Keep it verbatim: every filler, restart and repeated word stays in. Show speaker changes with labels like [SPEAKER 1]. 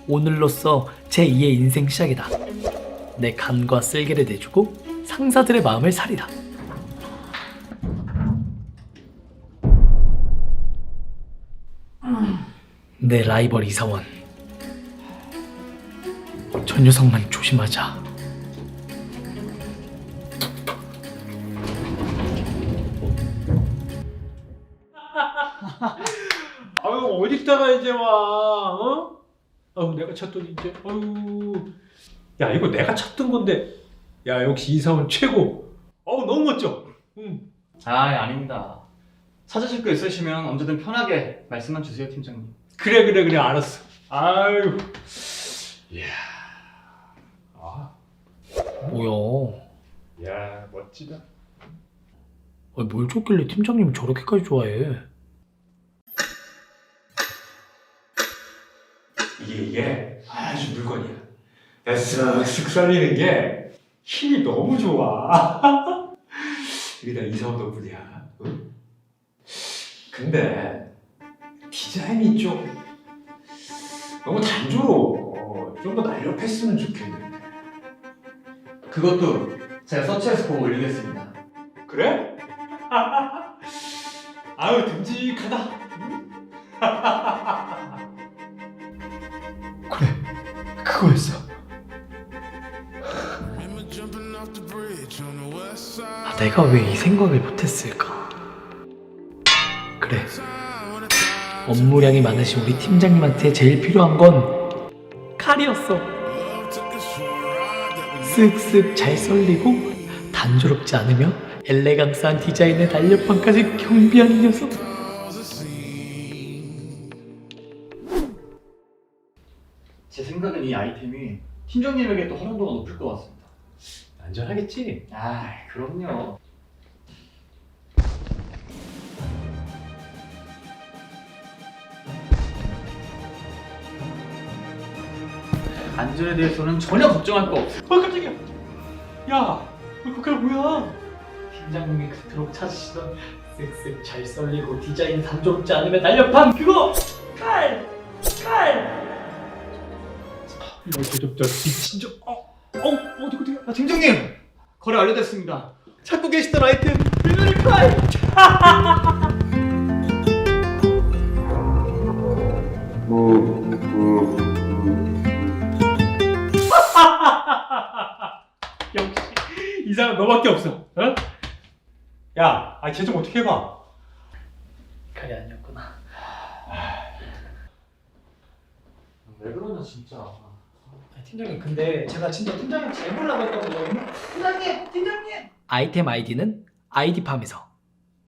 [SPEAKER 1] 오늘로써 제이의 인생 시작이다. 내 간과 쓸개를 내주고 상사들의 마음을 사리라. 내 라이벌 이사원, 저 녀석만 조심하자.
[SPEAKER 2] 아유 어디다가 이제 와? 어? 아유 내가 쳤더니 이제 아유 야 이거 내가 쳤던 건데 야 역시 이사원 최고. 어우 너무 멋져. 응.
[SPEAKER 3] 아, 아닙니다. 찾으실 거 있으시면 언제든 편하게 말씀만 주세요, 팀장님.
[SPEAKER 2] 그래 그래 그래 알았어. 아유. 이야. 아.
[SPEAKER 1] 뭐야?
[SPEAKER 2] 야 멋지다.
[SPEAKER 1] 아니, 뭘 줬길래 팀장님이 저렇게까지 좋아해?
[SPEAKER 2] 이게 이게 아주 물건이야. 쓱쓱 썰리는 게 힘이 너무 좋아. 이게 다 이사원 덕분이야. 응? 근데 디자인이 좀 너무 단조로워. 좀 더 날렵했으면 좋겠는데.
[SPEAKER 3] 그것도 제가 서치해서 보고 올리겠습니다.
[SPEAKER 2] 그래? 아유 듬직하다. 응?
[SPEAKER 1] 그래, 그거였어. 아, 내가 왜 이 생각을 못했을까? 그래, 업무량이 많으신 우리 팀장님한테 제일 필요한 건 칼이었어. 쓱쓱 잘 썰리고 단조롭지 않으며 엘레강스한 디자인의 날렵함까지 경비하는 녀석.
[SPEAKER 3] 제 생각엔 이 아이템이 팀장님에게 또 활용도가 높을 것 같습니다.
[SPEAKER 2] 안전하겠지?
[SPEAKER 3] 아, 그럼요. 안전에 대해서는 전혀 걱정할 거 없어요.
[SPEAKER 2] 어 깜짝이야. 야, 그게 뭐야?
[SPEAKER 1] 팀장님이 그토록 찾으시던 쓱쓱 잘 썰리고 디자인 단조롭지 않으며 날렵함, 그거! 칼! 칼!
[SPEAKER 2] 이거 저저 미친 저 어, 어 어디 어디?
[SPEAKER 3] 아, 팀장님! 거래 완료됐습니다.
[SPEAKER 1] 찾고 계시던 아이템 일면의 칼!
[SPEAKER 2] 역시 이 사람 너밖에 없어. 어? 야, 아, 쟤 좀 어떻게 해봐.
[SPEAKER 1] 칼이 아니었구나.
[SPEAKER 3] 왜 그러냐, 진짜.
[SPEAKER 1] 아니, 팀장님, 근데 제가 진짜 팀장님 잘 보려고 했거든요. 팀장님! 팀장님! 아이템 아이디는 아이디팜에서